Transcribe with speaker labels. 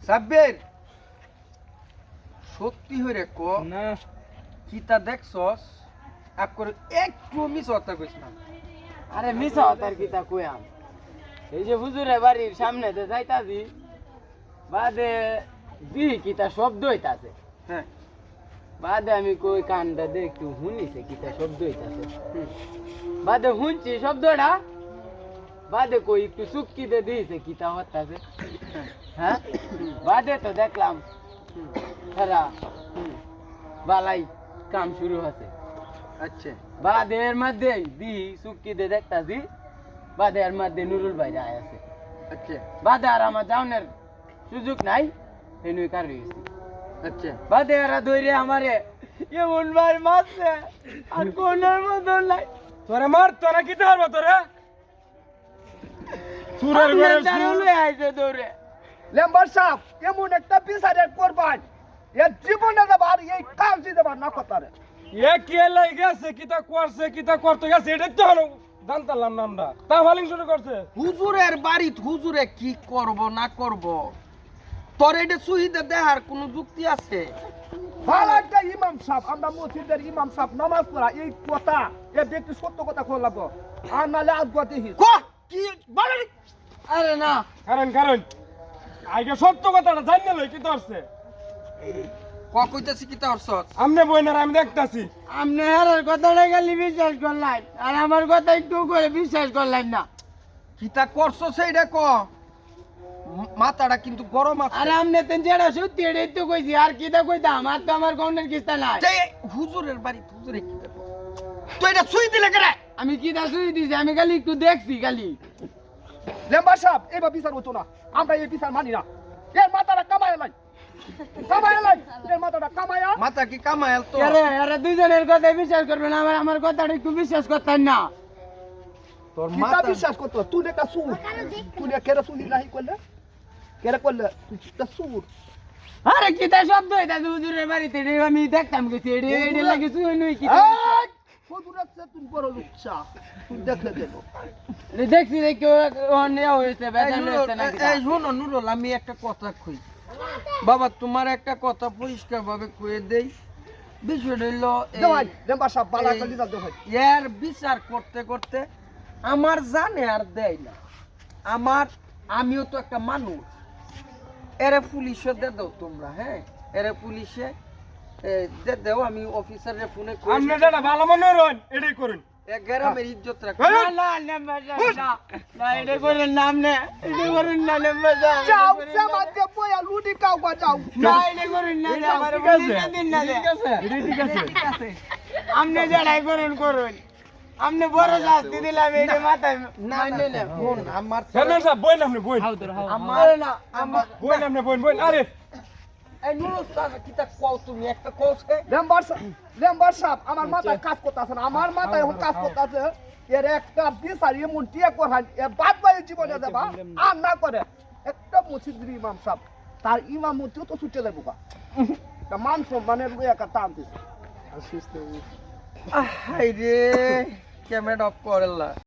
Speaker 1: সাব্বির সত্যি হইরে ক
Speaker 2: না
Speaker 1: কিতা দেখছস একটু মিস হতা কইছ না।
Speaker 2: আরে মিছা তার কিতা কইয়াম এই যে হুজুরের বাড়ির সামনে তে যাইতাছি বাদে কিতা শব্দ হইতাছে।
Speaker 1: হ্যাঁ
Speaker 2: বাদে আমি কই কানটা দে একটু শুনিছে কিতা শব্দ হইতাছে। বাদে শুনছি শব্দটা বাদে কই একটু চুক্তি দে দিয়েছে কিতা হতাছে। হ্যাঁ বাদে তো দেখলাম সারা বালাই কাম শুরু হচ্ছে।
Speaker 1: আচ্ছা
Speaker 2: বাদের মধ্যে চুক্তি দে দেখতাছি বাদের মধ্যে নুরুল ভাই যায় আছে।
Speaker 1: আচ্ছা
Speaker 2: বাদে আর আমার যাওনের সুযোগ নাই হেনুই কার রয়েছে।
Speaker 1: আচ্ছা
Speaker 2: বাদে এরা ধরে আমারে এমন ভাই মারছে আর কোনের মতো নাই।
Speaker 3: তোরে মার তোরা কি ধরবো তোরে সুরের ঘরে
Speaker 2: দারুলে আইছে দৌড়ে।
Speaker 4: লেম্বার সাহেব এমন একটা বিচারের করবান এর জীবনে দেবার এই কাজ দেবার না কথারে
Speaker 3: এ কে লাই গেছে কিতা করছে কিতা করতে গেছে এটা তো হলো জানতাম না আমরা তা ফালিং শুরু করছে
Speaker 1: হুজুরের বাড়িত হুজুরে কি করব না করব তোর এটা সুহিদে দেহার কোনো যুক্তি আছে?
Speaker 4: ভালো একটা ইমাম সাহেব আমরা মসজিদের ইমাম সাহেব নামাজ পড়া এই কথা এ ব্যক্তি সত্য কথা খোলাব আর নালে আজগাতে হি
Speaker 1: ক কি বলে?
Speaker 2: আরে না
Speaker 3: কারণ কারণ আগে সত্য কথাটা জানিয়ে লই কি ধরছে
Speaker 1: ক কইতাছি কিতা হরছস?
Speaker 3: আমনে বইনার আমি দেখতাছি
Speaker 2: আপনি হেরার কথাটা খালি বিশ্বাস করলেন আর আমার কথা একটু করে বিশ্বাস করলেন না।
Speaker 1: কিতা করছস সেইটা ক। মাথাটা কিন্তু গরম আছে।
Speaker 2: আর আপনি তো যেটা সত্যি এটাই তো কইছি আর কিটা কইতাম আর তো আমার গন্ডের কিস্তা নাই।
Speaker 1: যে হুজুরের বাড়িত হুজুরে কি দেখো তুই এটা সুই দিলে কেন?
Speaker 2: আমি কিটা শুই দিছি আমি খালি একটু দেখছি খালি।
Speaker 4: লেম্বার সাহেব এবার বিচার হতো না আমরা এই বিচার মানি না এর মাথাটা কামায় লাই এর মাথাটা কামায়া
Speaker 1: মাথা কি কামাইল তো?
Speaker 2: আরে আরে দুইজনের কথা বিশ্বাস করবেন আমার কথাটা একটু বিশ্বাস করতেন না।
Speaker 1: তোর
Speaker 4: কিতা
Speaker 1: মাথা
Speaker 4: বিশ্বাস করতো তুই একটা সুর তুই কেরা সুলি নাহি করলে কেরা করলে তুই একটা সুর
Speaker 2: আরে কিটা শব্দ হইতাছে হুজুরের বাড়িতে এটা আমি দেখতাম গেছি এটা লাগে শুই নই কি
Speaker 4: হুজুরের চেয়ে তুমি বড় লুচ্চা তুই দেখলে দেবো
Speaker 2: দেখছি দেখি অন্য হয়েছে বেজান হয়েছে নাকি।
Speaker 1: এই শোনো নুরুল, আমি একটা কথা কই বাবা, তোমার একটা কথা পরিষ্কার ভাবে কয়ে দেই। বিষয়টা হইলো
Speaker 4: দেওয়াই লেম্বার সাহেব বালা করে দিতে দেওয়াই
Speaker 1: এর বিচার করতে করতে আমার জানে আর দেয় না। আমিও তো একটা মানুষ। এরে পুলিশে দে দাও তোমরা, হ্যাঁ এরে পুলিশে দে দাও। আমি অফিসারের ফোনে
Speaker 3: আমনে যেটা ভালো মনে হন এটাই করুন।
Speaker 1: গ্রামের ইজ্জত রাখো।
Speaker 2: না না নেম্বার না না এটা করেন নাম নে এটা করেন না নেম্বার
Speaker 4: যাও সমাজে বয়া লুডি কাও গা যাও
Speaker 2: না এটা করেন না আমার বলে দিন না
Speaker 3: ঠিক আছে ঠিক আছে
Speaker 2: আপনি যেটাই করেন করুন আপনি বড় শাস্তি দিলাম এটা মাথায়
Speaker 1: না না না ফোন আমার
Speaker 3: ফেরমান সাহেব বইন আপনি বইন
Speaker 1: আমার না আমার
Speaker 3: বইন আপনি বইন আরে
Speaker 1: এই নুরুল সাহেব কিতা কও তুমি একটা কওছে?
Speaker 4: লেম্বার সাহেব আমার মাথায় কাজ করতেছে না আমার মাথায় এখন কাজ করতেছে এর একটা বিচার এমন টিয়া করান এর বাদ বাই জীবনে দেবা আর না করে একটা মসজিদের ইমাম সাহেব তার ইমাম মধ্যেও তো ছুটে দেবো তা মান সম্মানের একটা টান দিচ্ছে
Speaker 1: হাই রে ক্যামেরা অফ করলা।